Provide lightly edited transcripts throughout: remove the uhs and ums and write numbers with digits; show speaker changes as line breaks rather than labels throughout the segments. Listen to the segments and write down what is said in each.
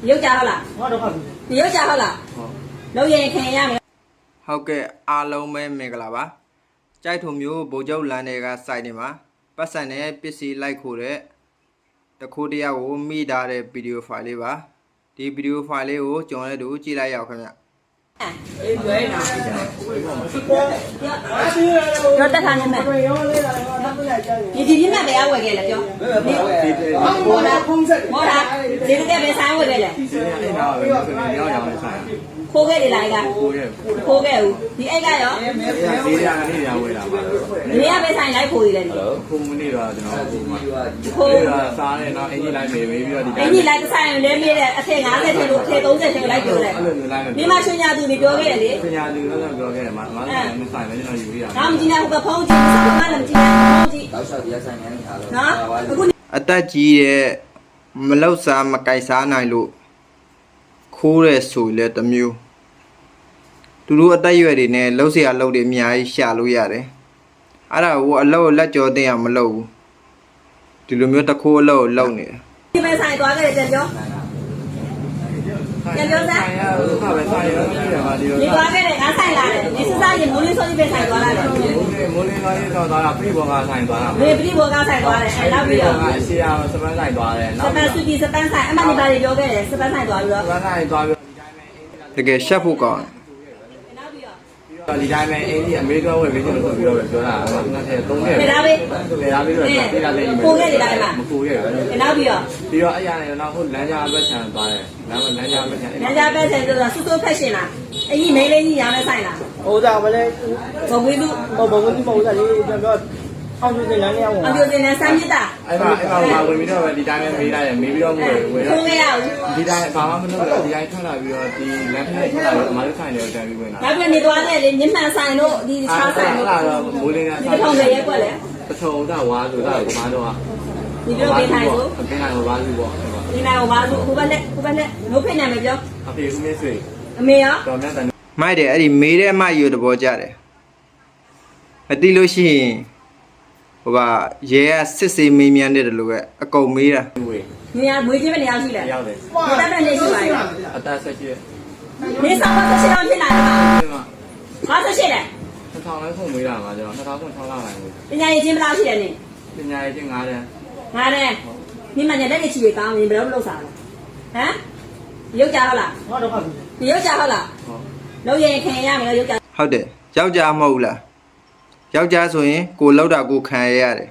ရုပ်ကြဟုတ်လားရုပ်ကြဟုတ်လားလုံရင်ခင်ရမယ်
ဟုတ်ကဲ့အားလုံးပဲမင်္ဂလာပါကြိုက်ထုံမျိုးဗိုလ်ချုပ်လမ်းတွေကစိုက်နေမှာပတ်စံနဲ့ပစ္စည်းလိုက်ခိုးတဲ့တခိုးတယောက်ကိုမိထားတဲ့ဗီဒီယိုဖိုင်လေးပါဒီဗီဒီယိုဖိုင်လေးကိုကျွန်တော်တို့ကြည့်လိုက်ရအောင်ခင်ဗျ
ပြောတက်ထားနေမယ်ဒီပြတ်ပဲအဝယ်ခဲ့လေပြောမော်လာဒီကပဲဆိုင်ဝယ်ခဲ့လေခိုးခဲ့တယ်လားကခိုးခဲ့ဦးဒီအိတ်ကရော
ဒီကနေရဝယ်တာပါ
ဒီကပဲဆိုင်လိုက်ခိုးရတယ်
ခုမနေ့တော့ကျွန်တော်ခိုးတာစားတယ်နော်အင်ကြီးလိုက်မေးပြီးတော့ဒီ
အင်ကြီးလိုက်ဆိုင်လဲမေးတဲ့အထက်50ထက်လို့အထက်30ထက်လိုက်ပြောတယ်ဒီမှာရှင်ညာသူတွေပြောခဲ့တယ်လေ
ရှင်ညာသူတော့ပြောခဲ့တယ်မဆိုင်မဆိုင်ပဲကျွန်တော်ယူရ
အောင်ကြည့်နေဟိုဖုန်းကြည့်စကားမှလည်းကြည့်နေဖုန်းကြည့်
တောက်လျှောက်တရားဆိုင်နေနေတာလို့
နော်အခု
အသက်ကြီးတဲ့မလောက်စားမကြိုက်စားနိုင်လို့ခိုးရဲဆိုလဲတမျိုးသူတို့အသက်ရွယ်တွေနဲ့လှုပ်เสียလှုပ်တွေအများကြီးရှာလို့ရတယ်အဲ့ဒါကိုအလောက်လက်ကြောသိအောင်မလုပ်ဘူးဒီလိုမျိုးတခိုးအလောက်လုပ်နေတယ်
ဒီမဲ့ဆိုင်သွားခဲ့တယ်ပြောပြန်ပြောစမ်း
ခါပဲဆိုင်ရောဒီမှာဒီလို
ဒီသွားခဲ့တယ်ငါဆိုင်လာတယ်ဒီစစရင်မိုးလေးစောကြီးပဲဆိုင်သွားလာတယ်
မိုးလေးသွားရင်တော့သွားတာပြိဘောကဆိုင်သွားတာ
ပြိဘောကဆိုင်သွားတယ်အဲ့နောက်ပြီးတော့
အစီအစပန်းဆိုင်သွားတယ်
စပန်းစုကြီးစပန်းဆိုင်အမှန်ဒီပါတွေပြောခဲ့တယ်စပန်းဆိုင်သွားပြီးတော့
စပန်းဆိုင်သွားပြီး
တကယ်ရှက်ဖို့ကောင်း
ဒီတိုင်းပဲအင်းကြီးအမေရိကန်ဝယ်ပြီးကျွန်တော်ပြောတော့ပြောတာငါ3နှစ်
ဖေးလာပြီ
ဖေးလာပြီးတော့ပြေးလာတယ်
ပို့ခဲ့တယ်တိုင်းမှာ
မပို့ခဲ့ဘူး
နောက်ပြီး
တော့အဲ့ရနေတော့ဟိုလမ်းကြားဘက်ခြံသွားတယ်လမ်းကြားဘက်ခြံ
လမ်းကြားဘက်ခြံဆိုတော့စူးစူးဖက်ရှင်လားအကြီးမိန်းလေးကြီးရောင်းနေဆိုင်လား
ဟိုကြောင့်မလဲ
ဘဝေးသူ
ဘဝေးသူမဟုတ်တာလေကျွန်တော်အောင်ပြတင်လမ်းရအောင်
အောင်ပြတင်လမ်းစမ်းမြစ်တာ
အဲ့မှာဝင်ပြီးတော့ဒီတိုင်းပဲမေးလိုက်တယ်မေးပြီးတော့ဝယ်
ခိုးခဲ့ရအောင်
ဒီတိုင်းဘာမှမလုပ်တော့ဒီတိုင်းထွက်လာပြီးတော့ဒီလမ်းထဲထွက်လာပြီးအမားတို့ဆိုင်တယ်တန်ပြီးဝင်လာ
နောက်ပြီးနေသွားတယ်လေမြင့်မှန်ဆိုင်တို့ဒီချားဆိုင်တို့
အဲ့တော့မိုးလင်းက
ဆိုင်ဒီထောင်တွေရက်ွက်လေ
ပထုံကဝါဆိုတာကမားတော့
ဒီလိုပေးထိုင်ဆို
ပေးနိုင်ဝါစုပေါ့
ဒီနိုင်ဝါစုဟိုဘက်နဲ့နိုးဖိနေမယ်ပြော
အဖေဦးမင်းဆွေ
အမေရော
တော်မြတ်တယ်
မိုက်တယ်အဲ့ဒီမေးတဲ့အမယူတဘောကြတယ်မသိလို့ရှိရင်ဟိုကရဲကစစ်စေးမေးမြန်းတယ်လို့ပဲအကုန်မေးတာ
နေရာမွေးချင်းမနေရာရှိလဲ
ရောက်တယ်
အသက်နဲ့နေရှိပါရဲ့
အသက်ဆက်ရှိ
နေဆောင်တော့ဆက်အောင်ဖြစ်လာတယ်ဟာဆက်ရှိတယ်
2000လဲဖုန်းမေးတာမှာကျွန်တော်2006လောက်လိုက်ဘူး
ပညာရေးချင်းဘယ်လောက်ရှိတယ်နင်
ပညာရေးချင်း9တန်း
9တန်းဒီမှာညလက်လက်ချီတွေကောင်းရင်ဘယ်လိုလုပ်စားလဲဟမ်ရုပ်ကြဟုတ်လားဒီရုပ်ကြဟုတ်လားလုံရင်ခင်ရမယ်လို့ရုပ်ကြ
ဟုတ်တယ်ယောက်ျားမဟုတ်လားယောက်ျားဆိုရင်ကိုလောက်တာကိုခံရရတယ်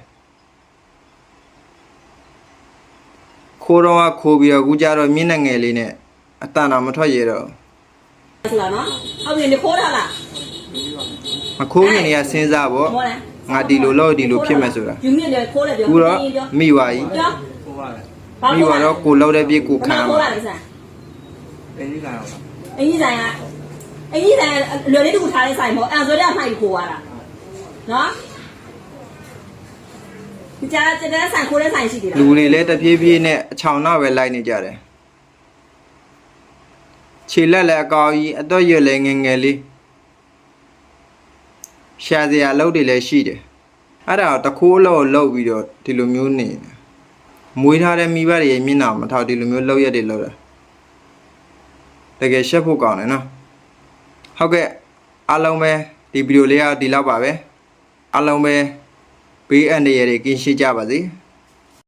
ခိုးတော့ခိုးပြီးတော့အခုကြတော့မျက်နှာငယ်လေးနဲ့အတန်တော်မထွက်ရတော့
ဆိုတာနော်ဟုတ်ပြီနေခိုးတာလား
မခိုးရင်နေရစဉ်းစားပေါ့ငါဒီလိုလို့ဒီလိုဖြစ်မယ်ဆိုတာ
ယူမြင့်တယ်ခိုးတယ်ပြော
ခုတော့မိပါကြီး
ခိုးပါတယ်
မိပါတော့ကိုလောက်တဲ့ပြည့်ကိုခံ
ခိုးရတယ်ဆန်
အင်းကြီးဆိုင်အောင်
အင်းကြီးဆိုင်လွယ်လေးတူထားတဲ့ဆိုင်ပေါ့အဲ့ဆိုတော့အဖိုက်ခိုးရတာနော်ကြားတဲ့ဆိုင်ခိုးတဲ့ဆိုင်ရှိသေးလား
လူတွေလည်းတပြေးပြေးနဲ့အချောင်နောက်ပဲလိုက်နေကြတယ်ခြေလက်လည်းအကောင်းကြီးအတော့ရွယ်လည်းငယ်ငယ်လေးရှာစရာအလုပ်တွေလည်းရှိတယ်အဲ့ဒါတခိုးလို့လှုပ်ပြီးတော့ဒီလိုမျိုးနေမွေးထားတဲ့မိဘတွေရဲ့မျက်နှာမထောက်ဒီလိုမျိုးလှုပ်ရက်တွေလှုပ်တာတကယ်ရှက်ဖို့ကောင်းတယ်နော်ဟုတ်ကဲ့အားလုံးပဲဒီဗီဒီယိုလေးကဒီလောက်ပါပဲအားလုံးပဲဘေးအန္တရာယ်တွေကင်းရှင်းကြပါစေ